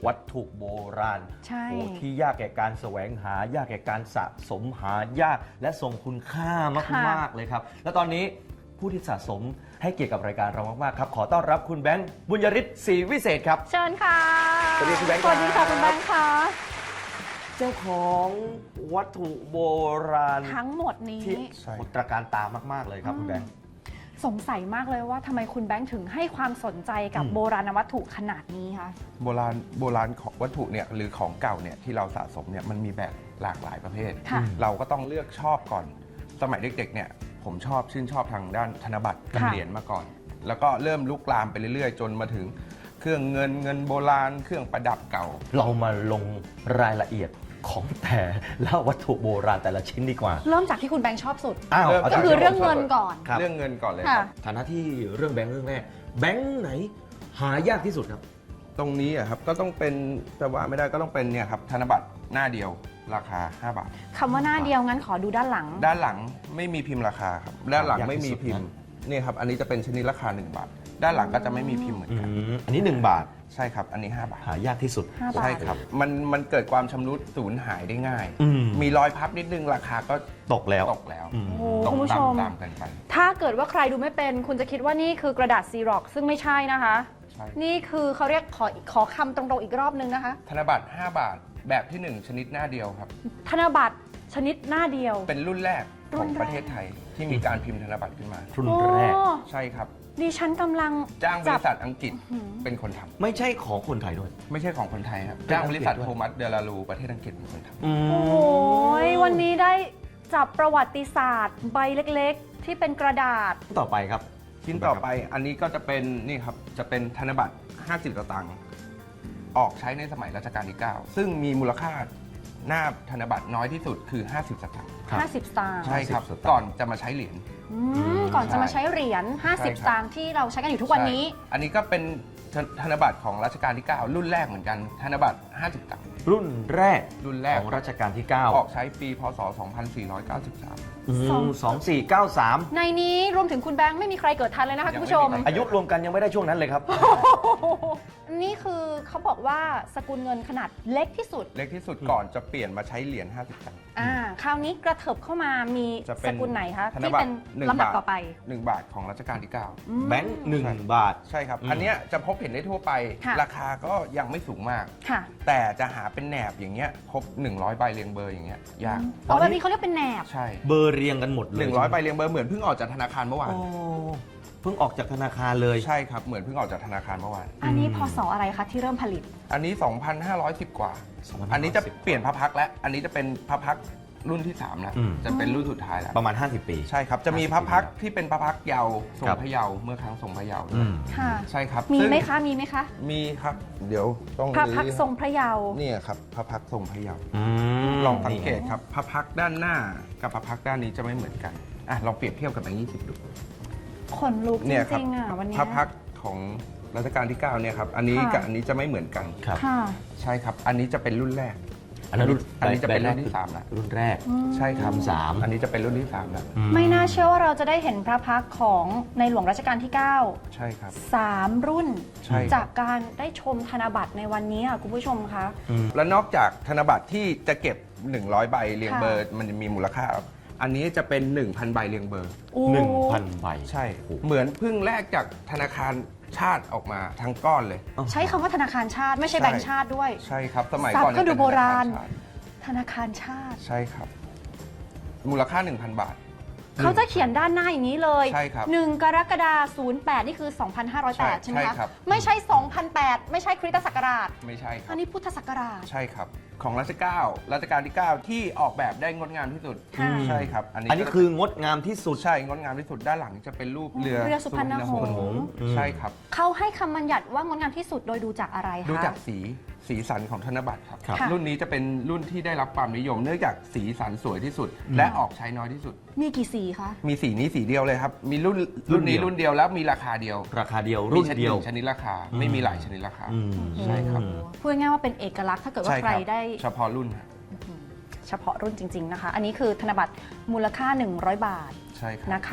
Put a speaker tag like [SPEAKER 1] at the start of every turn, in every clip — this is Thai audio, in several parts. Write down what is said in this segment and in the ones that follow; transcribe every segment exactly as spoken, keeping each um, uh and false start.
[SPEAKER 1] วัตถุโบราณ
[SPEAKER 2] ใช่
[SPEAKER 1] โอ้ที่ยากแก่การแสวงหายากแก่การสะสมหายากและทรงคุณค่ามากๆเลยครับและตอนนี้ผู้ที่สะสมให้เกียรติกับรายการเรามากๆครับขอต้อนรับคุณแบงค์บุญยริศศรีวิเศษครับ
[SPEAKER 2] เชิญค่ะ
[SPEAKER 1] สวัสดีคุณแบงค์
[SPEAKER 2] สวัสดีค่ะ
[SPEAKER 1] ครับ
[SPEAKER 2] คุณแบงค์ค่ะ
[SPEAKER 1] เจ้าของวัตถุโบราณ
[SPEAKER 2] ทั้งหมดนี้
[SPEAKER 1] ที่ตระการตามากๆเลยครับคุณแบงค์
[SPEAKER 2] สงสัยมากเลยว่าทำไมคุณแบงค์ถึงให้ความสนใจกับ
[SPEAKER 1] อืม
[SPEAKER 2] โบราณวัตถุขนาดนี้คะ
[SPEAKER 3] โบราณโบราณของวัตถุเนี่ยหรือของเก่าเนี่ยที่เราสะสมเนี่ยมันมีแบบหลากหลายประเภท
[SPEAKER 2] ค่ะ
[SPEAKER 3] เราก็ต้องเลือกชอบก่อน สมัยเด็กๆเนี่ยผมชอบชื่นชอบทางด้านธนบัตรกับ
[SPEAKER 2] ค่ะ
[SPEAKER 3] เหรียญมาก่อน แล้วก็เริ่มลุกลามไปเรื่อยๆ จนมาถึงเครื่องเงินเงินโบราณ เครื่องประดับเก่า
[SPEAKER 1] เรามาลงรายละเอียดของแต่ละวัตถุโบราณแต่ละชิ้นดีกว่า
[SPEAKER 2] เริ่มจากที่คุณแบงค์ชอบสุด
[SPEAKER 1] อ้าว
[SPEAKER 3] เริ่ม
[SPEAKER 1] เอา
[SPEAKER 2] ก็
[SPEAKER 1] จาก
[SPEAKER 2] คือ
[SPEAKER 1] ที่
[SPEAKER 2] เรื่องเงินก่อน
[SPEAKER 1] ครับ
[SPEAKER 3] เรื่องเงินก่อนเลยค
[SPEAKER 2] ค่ะ
[SPEAKER 3] รับ
[SPEAKER 1] ฐานะที่เรื่องแบงค์เรื่องแรกแบงค์ไหนหายากที่สุดครับ
[SPEAKER 3] ตรงนี้อะครับก็ต้องเป็นจะว่าไม่ได้ก็ต้องเป็นเนี่ยครับธนบัตรหน้าเดียวราคาห้าบาท
[SPEAKER 2] คำว่าหน้าเดียวงั้นขอดูด้านหลัง
[SPEAKER 3] ด้านหลังไม่มีพิมพ์ราคาครับด้านหลัง
[SPEAKER 1] ยากที่
[SPEAKER 3] ไม่มี
[SPEAKER 1] สุด
[SPEAKER 3] พิมพ์
[SPEAKER 1] นะ
[SPEAKER 3] นี่ครับอันนี้จะเป็นชนิดราคาหนึ่งบาท ด้านหลังก็จะไม่มีพิมพ์เหมือน
[SPEAKER 1] อื
[SPEAKER 3] กัน
[SPEAKER 1] มอันนี้หนึ่งบาท
[SPEAKER 3] ใช่ครับอันนี้ห้าบาท
[SPEAKER 1] หายากที่สุด
[SPEAKER 2] ห้าบาท
[SPEAKER 3] ใช่ครับมันมันเกิดความชำรุดสูญหายได้ง่าย
[SPEAKER 1] อืม
[SPEAKER 3] มีรอยพับนิดนึงราคาก็
[SPEAKER 1] ตกแล้ว
[SPEAKER 3] ตกแล้ว
[SPEAKER 1] อืม
[SPEAKER 2] โอ้
[SPEAKER 3] ตก
[SPEAKER 2] คุณผู้ชม
[SPEAKER 3] ตามๆกันไป
[SPEAKER 2] ถ้าเกิดว่าใครดูไม่เป็น คุณจะคิดว่านี่คือกระดาษซีร็อกซึ่งไม่ใช่นะคะ
[SPEAKER 3] ใช่
[SPEAKER 2] นี่คือเขาเรียกขอขอคำตรงๆอีกรอบนึงนะคะ
[SPEAKER 3] ธนบัตรห้าบาทแบบที่หนึ่งชนิดหน้าเดียวครับ
[SPEAKER 2] ธนบัตรชนิดหน้าเดียว
[SPEAKER 3] เป็นรุ่นแรก
[SPEAKER 2] รุ่
[SPEAKER 3] ขอน ง
[SPEAKER 2] แรก
[SPEAKER 3] ประเทศไทยที่มีการพิมพ์ธนบัตรขึ้นมา
[SPEAKER 1] รุ่นแรก
[SPEAKER 2] โอ้
[SPEAKER 3] ใช่ครับ
[SPEAKER 2] ดิฉันกำลัง
[SPEAKER 3] จ้างบ
[SPEAKER 2] จั
[SPEAKER 3] ริษัทอังกฤษ
[SPEAKER 2] หือ
[SPEAKER 3] เป็นคนทำ
[SPEAKER 1] ไม่ใช่ของคนไทยด้วย
[SPEAKER 3] ไม่ใช่ของคนไทยครับ
[SPEAKER 1] เป็น
[SPEAKER 3] จ้างบริษัท
[SPEAKER 1] อังกฤษด้วย
[SPEAKER 3] โทมัสเดลารูประเทศอังกฤษเป็นคนทำ
[SPEAKER 1] อืม
[SPEAKER 2] โอ้โหวันนี้ได้จับประวัติศาสตร์ ใบเล็กๆ ที่เป็นกระดาษ
[SPEAKER 1] ต่อไปครับ
[SPEAKER 3] ชิ้นต่อไปอันนี้ก็จะเป็นนี่ครับจะเป็นธนบัตรห้าสิบสตางค์ออกใช้ในสมัยรัชกาลที่เก้าซึ่งมีมูลค่าหน้าธนบัตรน้อยที่สุดคือห้าสิบสตางค์
[SPEAKER 1] ครับ
[SPEAKER 2] ห้าสิบ สตางค์
[SPEAKER 3] ใช่ครับ
[SPEAKER 1] ห้าสิบสตางค์
[SPEAKER 3] ก่อนจะมาใช้เหรียญ
[SPEAKER 2] อืมก่อนจะมาใช้เหรียญ
[SPEAKER 3] ใช่
[SPEAKER 2] ห้าสิบ
[SPEAKER 3] ครับ
[SPEAKER 2] สตางค์ที่เราใช้กันอยู่ทุกวันนี้
[SPEAKER 3] ใช่อันนี้ก็เป็นธนบัตรของรัชกาลที่เก้ารุ่นแรกเหมือนกันธนบัตรห้าสิบตังค์
[SPEAKER 1] รุ่นแรก
[SPEAKER 3] รุ่นแรก
[SPEAKER 1] ของรัชกาลที่ เก้า
[SPEAKER 3] ออกใช้ปีพศสองพันสี่ร้อยเก้าสิบสาม
[SPEAKER 1] อืม
[SPEAKER 2] สอง
[SPEAKER 1] สองสี่เก้าสาม
[SPEAKER 2] ในนี้รวมถึงคุณแบงค์ไม่มีใครเกิดทันเลยนะคะ
[SPEAKER 3] ยั
[SPEAKER 2] คุ
[SPEAKER 3] ง
[SPEAKER 2] ณ
[SPEAKER 3] ไม่
[SPEAKER 2] ผู้ชม
[SPEAKER 3] มีใคร
[SPEAKER 1] อายุรวมกันยังไม่ได้ช่วงนั้นเลยครับ
[SPEAKER 2] นี่คือเขาบอกว่าสกุลเงินขนาดเล็กที่สุด
[SPEAKER 3] เล็กที่สุดก่อนจะเปลี่ยนมาใช้เหรียญห้าสิบตังค์
[SPEAKER 2] อ่า คราวนี้กระเถิบเข้ามามี
[SPEAKER 3] จะเป็
[SPEAKER 2] ส
[SPEAKER 3] น
[SPEAKER 2] กุลไหนคะ
[SPEAKER 3] ธน
[SPEAKER 2] ที่
[SPEAKER 3] บัตร
[SPEAKER 2] เป็น
[SPEAKER 3] หนึ่ง
[SPEAKER 2] ลำดับบ
[SPEAKER 3] าท
[SPEAKER 2] ต่อไป
[SPEAKER 3] หนึ่งบาทของรัชกาลที่เก้า
[SPEAKER 2] อืม
[SPEAKER 1] แบงค์หนึ่ง
[SPEAKER 3] ใช่
[SPEAKER 1] บาท
[SPEAKER 3] ใช่ครับ
[SPEAKER 1] อืม
[SPEAKER 3] อันเนี้ยจะพบเห็นได้ทั่วไป
[SPEAKER 2] ค่ะ
[SPEAKER 3] ราคาก็ยังไม่สูงมาก
[SPEAKER 2] ค่ะ
[SPEAKER 3] แต่จะหาเป็นแหนบอย่างเงี้ยครบหนึ่งร้อยใบเรียงเบอร์อย่างเงี้ยยาก
[SPEAKER 2] อ๋อแบบนี้เขาเรียกเป็นแหนบ
[SPEAKER 3] ใช่
[SPEAKER 1] เบอร์เรียงกันหมดเลย
[SPEAKER 3] หนึ่งร้อยใบเรียงเบอร์เหมือนเพิ่งออกจากธนาคารเมื่อวาน
[SPEAKER 1] โอ้เพิ่งออกจากธนาคารเลย
[SPEAKER 3] ใช่ครับเหมือนเพิ่งออกจากธนาคารเมื่อวาน
[SPEAKER 2] อันนี้
[SPEAKER 1] อืม
[SPEAKER 2] พศอะไรคะที่เริ่มผลิต
[SPEAKER 3] อันนี้ สองพันห้าร้อยสิบ กว่า
[SPEAKER 1] สองพันห้าร้อยสิบ
[SPEAKER 3] อันนี้จะเปลี่ยนพระพักตร์แล้วอันนี้จะเป็นพระพักตร์รุ่นที่สามแล้ว
[SPEAKER 1] อืม
[SPEAKER 3] จะเป็นรุ่นสุดท้ายแล้ว
[SPEAKER 1] ประมาณ ห้าสิบ ปี
[SPEAKER 3] ใช่ครับจะมีพระพักตร์ที่เป็นพระพักตร์เยาว์ทรง
[SPEAKER 1] ครับ
[SPEAKER 3] พระเยาว์เมื่อครั้งทรงพระเยาว์
[SPEAKER 1] อืม
[SPEAKER 2] ค่ะ
[SPEAKER 3] ใช่ครับ
[SPEAKER 2] มี
[SPEAKER 3] ซึ่ง
[SPEAKER 2] ไหมคะ มีไหมคะ
[SPEAKER 3] มีครับ เดี๋ยวต้อง
[SPEAKER 2] พระพักตร์ทรงพระเยาว์
[SPEAKER 3] เนี่ยครับพระพักตร์ทรงพระเยาว์
[SPEAKER 1] อืม
[SPEAKER 3] ลองสังเกตครับพระพักตร์ด้านหน้ากับพระพักตร์ด้านนี้จะไม่เหมือนกันอ่ะลองเปรียบเทียบกับแบงค์ยี่สิบดู
[SPEAKER 2] ขนลุกจ
[SPEAKER 3] เนี่ยครั
[SPEAKER 2] ริงๆอ่ะวันนี้
[SPEAKER 3] พระพักตร์ของรัชกาลที่เก้าเนี่ยครับอันนี้
[SPEAKER 2] ค่ะ
[SPEAKER 3] กับอันนี้จะไม่เหมือนกัน
[SPEAKER 1] ครับ
[SPEAKER 2] ค่ะ
[SPEAKER 3] ใช่ครับ อันนี้จะเป็นรุ่นแรก
[SPEAKER 1] อันนั้นรุ่น
[SPEAKER 3] อันนี้จะเป็น
[SPEAKER 1] แบ
[SPEAKER 3] รุ่
[SPEAKER 1] รก
[SPEAKER 3] นที่
[SPEAKER 1] คือ
[SPEAKER 3] สามแล้ว
[SPEAKER 1] รุ่นแรก
[SPEAKER 3] ใช่ครับ
[SPEAKER 1] รุ่นสาม
[SPEAKER 3] อันนี้จะเป็นรุ่นที่สามแล้ว
[SPEAKER 1] อื
[SPEAKER 2] ไม่น่าเชื่อว่าเราจะได้เห็นพระพักตร์ของในหลวงรัชกาลที่ เก้า
[SPEAKER 3] ใช่ครับ
[SPEAKER 2] สามรุ่น
[SPEAKER 3] ใช่ครับ
[SPEAKER 2] จากการได้ชมธนบัตรในวันนี้ค่ะคุณผู้ชมคะ
[SPEAKER 1] อืม
[SPEAKER 3] และนอกจากธนบัตรที่จะเก็บ หนึ่งร้อย ใบเรียง
[SPEAKER 2] ค่ะ
[SPEAKER 3] เบอร์มันจะมีมูลค่า อันนี้จะเป็น หนึ่งพัน ใบเรียงเบอร์
[SPEAKER 2] โอ้
[SPEAKER 1] หนึ่งพันใบ
[SPEAKER 3] ใช่ เหมือนเพิ่งแลกจากธนาคารชาติออกมาทั้งก้อนเลย
[SPEAKER 2] ใช้คำว่าธนาคารชาติไม่ใช่
[SPEAKER 3] ใช่
[SPEAKER 2] แบงก์ชาติด้วย
[SPEAKER 3] ใช่ครับ สมัย
[SPEAKER 2] ศัพท์
[SPEAKER 3] ก่อน
[SPEAKER 2] ก็ดู
[SPEAKER 3] ยังเป็น
[SPEAKER 2] โบราณ
[SPEAKER 3] ธนคชาติ
[SPEAKER 2] ธนาคารชาติ
[SPEAKER 3] ใช่ครับ มูลค่า หนึ่งพัน บาท
[SPEAKER 2] เขาจะเขียนด้านหน้าอย่างนี้เลย
[SPEAKER 3] ใช่ครับ
[SPEAKER 2] หนึ่งกรกฎาคมศูนย์แปดนี่คือ สองพันห้าร้อยแปด
[SPEAKER 3] ใช่
[SPEAKER 2] ใช่ไหม
[SPEAKER 3] ใช่
[SPEAKER 2] คะ
[SPEAKER 3] ครับ
[SPEAKER 2] ไม่ใช่ สองพันแปด ไม่ใช่คริสตศักราช
[SPEAKER 3] ไม่ใช่ครั
[SPEAKER 2] อั
[SPEAKER 3] บ
[SPEAKER 2] นนี้พุทธศักราช
[SPEAKER 3] ใช่ครับ ของรัชกาลรัชกาลที่ เก้า ที่ออกแบบได้งดงามที่สุด
[SPEAKER 2] ค่ะ
[SPEAKER 3] ใช่ครับ อันนี้
[SPEAKER 1] อันนี้คืองดงามที่สุด
[SPEAKER 3] ใช่งดงามที่สุดด้านหลังจะเป็นรูปเรือ
[SPEAKER 2] เรือสุพรรณหงส์
[SPEAKER 3] สุพรรณหงส์ใช่ครับ
[SPEAKER 2] เขาให้คำบัญญัติว่างดงามที่สุดโดยดูจากอะไรคะ
[SPEAKER 3] ดูจากสีสีสันของธนบัตรครับ
[SPEAKER 1] ครับ
[SPEAKER 3] รุ่นนี้จะเป็นรุ่นที่ได้รับความนิยม เนื่องจากสีสันสวยที่สุด และออกใช้น้อยที่สุด
[SPEAKER 2] มีกี่สีคะ
[SPEAKER 3] มีสีนี้สีเดียวเลยครับ มีรุ่นรุ่นนี้รุ่นเดียวแล้วมีราคาเดียว
[SPEAKER 1] ราคาเดียวรุ่น
[SPEAKER 3] มีชนิ
[SPEAKER 1] เดียว
[SPEAKER 3] ชนิดราคาไม่มีหลายชนิดราคา
[SPEAKER 1] อืม
[SPEAKER 3] ใช่ครับ
[SPEAKER 2] พูดง่ายๆว่าเป็นเอกลักษณ์ถ้าเกิดว่า
[SPEAKER 3] ใช่
[SPEAKER 2] ใคร
[SPEAKER 3] ครับ
[SPEAKER 2] ได้
[SPEAKER 3] เฉพาะรุ่นฮะ
[SPEAKER 2] เฉพาะรุ่นจริง ๆนะคะ อันนี้คือธนบัตรมูลค่า หนึ่งร้อย บาท
[SPEAKER 3] ใช่ครับ
[SPEAKER 2] นะคะ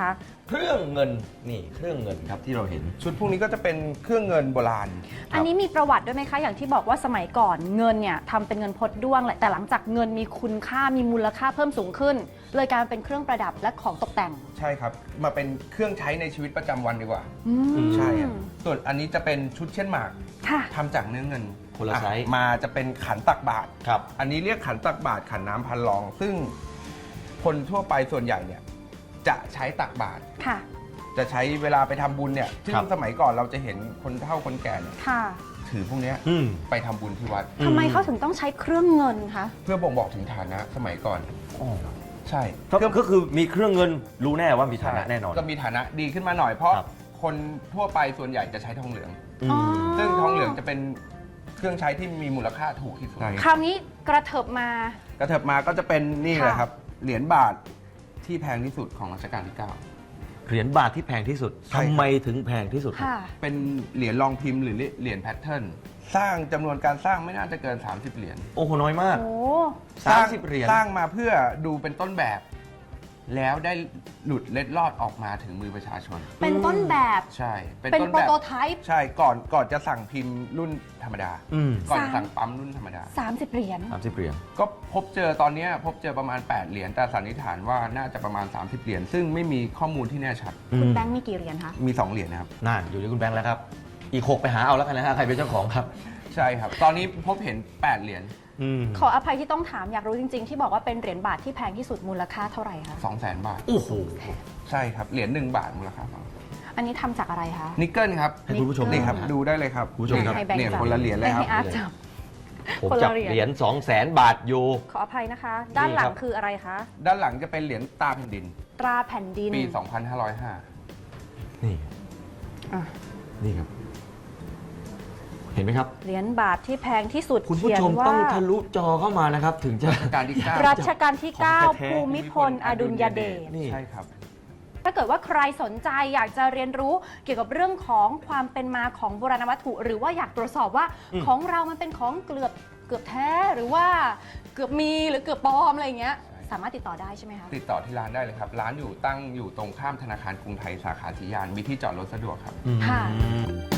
[SPEAKER 1] เครื่องเงินนี่เครื่องเงินครับที่เราเห็น
[SPEAKER 3] ชุดพวกนี้ก็จะเป็นเครื่องเงินโบราณ
[SPEAKER 2] อันนี้มีประวัติด้วยไหมคะ อย่างที่บอกว่าสมัยก่อนเงินเนี่ยทำเป็นเงินพดด้วงแหละแต่หลังจากเงินมีคุณค่ามีมูลค่าเพิ่มสูงขึ้น เลยกลายมาเป็นเครื่องประดับและของตกแต่ง
[SPEAKER 3] ใช่ครับ มาเป็นเครื่องใช้ในชีวิตประจำวันดีกว่า
[SPEAKER 2] อืม
[SPEAKER 3] ใช่ครับส่วนอันนี้จะเป็นชุดเช่นหมาก
[SPEAKER 2] ค่ะ
[SPEAKER 3] ทำจากเนื้อเงิน
[SPEAKER 1] คนละไซส์
[SPEAKER 3] อ่มาจะเป็นขันตักบาตร
[SPEAKER 1] ครับ
[SPEAKER 3] อันนี้เรียกขันตักบาตรขันน้ำพันรอง ซึ่งคนทั่วไปส่วนใหญ่เนี่ยจะใช้ตักบาตร
[SPEAKER 2] ค่ะ
[SPEAKER 3] จะใช้เวลาไปทำบุญเนี่ยซึ่ง
[SPEAKER 1] ครับ
[SPEAKER 3] สมัยก่อนเราจะเห็นคนเฒ่าคนแก่เนี่ย
[SPEAKER 2] ค่ะ
[SPEAKER 3] ถือพวกเนี้ย
[SPEAKER 1] อืม
[SPEAKER 3] ไปทำบุญที่วัด
[SPEAKER 2] ทำไมเขาถึงต้องใช้เครื่องเงินคะ
[SPEAKER 3] เพื่อบ่งบอกถึงฐานะสมัยก่อน
[SPEAKER 1] อ๋อ
[SPEAKER 3] ใช่
[SPEAKER 1] ก็ก็คือมีเครื่องเงินรู้แน่ว่ามีฐานะแน่นอน
[SPEAKER 3] ก็มีฐานะดีขึ้นมาหน่อยเพราะ
[SPEAKER 1] ครับ
[SPEAKER 3] คนทั่วไปส่วนใหญ่จะใช้ทองเหลือง
[SPEAKER 1] อืม
[SPEAKER 2] อ๋อ
[SPEAKER 3] ซึ่งทองเหลืองจะเป็นเครื่องใช้ที่มีมูลค่าถูกที่สุด
[SPEAKER 2] คราวนี้กระเถิบมา
[SPEAKER 3] กระเถิบมาก็จะเป็นนี่
[SPEAKER 2] ค่ะ
[SPEAKER 3] แหละครับ เหรียญบาทที่แพงที่สุดของรัชกาลที่ เก้า
[SPEAKER 1] เหรียญบาทที่แพงที่สุด
[SPEAKER 3] ใช่ครับ
[SPEAKER 1] ทำไมถึงแพงที่สุดครับ
[SPEAKER 2] ค่ะ
[SPEAKER 3] เป็นเหรียญรองพิมพ์หรือเหรียญแพทเทิร์นสร้างจำนวนการสร้างไม่น่าจะเกิน สามสิบ เหรียญ
[SPEAKER 1] โอ้โหน้อยมาก
[SPEAKER 2] โอ้
[SPEAKER 1] สามสิบเหรียญ
[SPEAKER 3] สร้างมาเพื่อดูเป็นต้นแบบ แล้วได้หลุดเล็ดลอดออกมาถึงมือประชาชน
[SPEAKER 2] เป็นต้นแบบ
[SPEAKER 3] ใช่
[SPEAKER 2] เป็น
[SPEAKER 3] ต้น
[SPEAKER 2] โปร
[SPEAKER 3] แบบ
[SPEAKER 2] โตไทป์
[SPEAKER 3] ใช่ก่อนก่อนจะสั่งพิมพ์รุ่นธรรมดา
[SPEAKER 1] อืม
[SPEAKER 3] ก่อนจะ
[SPEAKER 2] สาม
[SPEAKER 3] สั่งปั๊มรุ่นธรรมดา
[SPEAKER 2] สามสิบเหรียญ
[SPEAKER 1] สามสิบเหรียญ
[SPEAKER 3] ก็พบเจอตอนเนี้ยพบเจอประมาณ แปด เหรียญแต่สันนิษฐานว่าน่าจะประมาณ สามสิบ เหรียญซึ่งไม่มีข้อมูลที่แน่ชัด
[SPEAKER 2] คุณแบงค์มีกี่เหรียญคะ
[SPEAKER 3] มี สอง เหรียญนะครับ
[SPEAKER 1] นั่นอยู่ที่คุณแบงค์แล้วครับ อีกหกไปหาเอาแล้วกันนะฮะใครเป็นเจ้าของครับ
[SPEAKER 3] ใช่ครับ ตอนนี้พบเห็น แปด เหรียญ
[SPEAKER 1] อืม
[SPEAKER 2] ขออภัยที่ต้องถามอยากรู้จริง ๆ ที่บอกว่าเป็นเหรียญบาทที่แพงที่สุดมูลค่าเท่าไหร่คะ
[SPEAKER 3] สองแสน บาท
[SPEAKER 1] โอ้โห
[SPEAKER 3] ใช่ครับ เหรียญหนึ่งบาทมูลค่าสอง
[SPEAKER 2] อันนี้ทำจากอะไรคะ
[SPEAKER 3] นิกเกิลครับ
[SPEAKER 1] ให้คุณผู้ชม
[SPEAKER 3] นี่ครับ
[SPEAKER 1] นะฮะ
[SPEAKER 3] ดูได้เลยครับ
[SPEAKER 1] คุณผู้ชมครับ
[SPEAKER 2] ให้แบงค์
[SPEAKER 3] เนี่ย
[SPEAKER 2] จับ
[SPEAKER 3] คนละเหรียญเลยครับ
[SPEAKER 2] ให้อาร์ตจับ
[SPEAKER 1] ผม
[SPEAKER 2] คนละ
[SPEAKER 1] จับ
[SPEAKER 2] เหรียญ
[SPEAKER 1] เหรียญสองแสนบาทอยู่
[SPEAKER 2] ขออภัยนะคะ ด้านหลั
[SPEAKER 1] นี่
[SPEAKER 2] ง
[SPEAKER 1] ครับ
[SPEAKER 2] คืออะไรคะ
[SPEAKER 3] ด้านหลังจะเป็นเหรียญตราแผ่นดิน
[SPEAKER 2] ตราแผ่นดิน
[SPEAKER 3] ปี สองพันห้าร้อยห้า
[SPEAKER 1] นี่
[SPEAKER 2] อ่ะ
[SPEAKER 1] นี่ครับ เห็นไหมครับ
[SPEAKER 2] เหรียญบาทที่แพงที่สุด
[SPEAKER 1] คุณผู้
[SPEAKER 2] เขียน
[SPEAKER 1] ชม
[SPEAKER 2] ว่า
[SPEAKER 1] ต้องทะลุจอเข้ามานะครับ ถึงจะ
[SPEAKER 3] การที่เก้า
[SPEAKER 2] รัชกาลที่
[SPEAKER 1] ของ
[SPEAKER 2] เก้า
[SPEAKER 1] แท้ๆ
[SPEAKER 2] ภูมิพลอดุลยเดช
[SPEAKER 1] นี่
[SPEAKER 3] ใช่ครับ
[SPEAKER 2] ถ้าเกิดว่าใครสนใจอยากจะเรียนรู้เกี่ยวกับเรื่องของความเป็นมาของโบราณวัตถุ หรือว่าอยากตรวจสอบว่า
[SPEAKER 1] อืม
[SPEAKER 2] ของเรามันเป็นของเกือบเกือบแท้หรือว่าเกือบมีหรือเกือบปลอมอะไรอย่างเงี้ย
[SPEAKER 3] ใช่
[SPEAKER 2] สามารถติดต่อได้ใช่ไหมคะ
[SPEAKER 3] ติดต่อที่ร้านได้เลยครับ ร้านอยู่ตั้งอยู่ตรงข้ามธนาคารกรุงไทยสาขาสียาน มีที่จอดรถสะดวกครับ
[SPEAKER 1] อืม
[SPEAKER 2] ค่ะ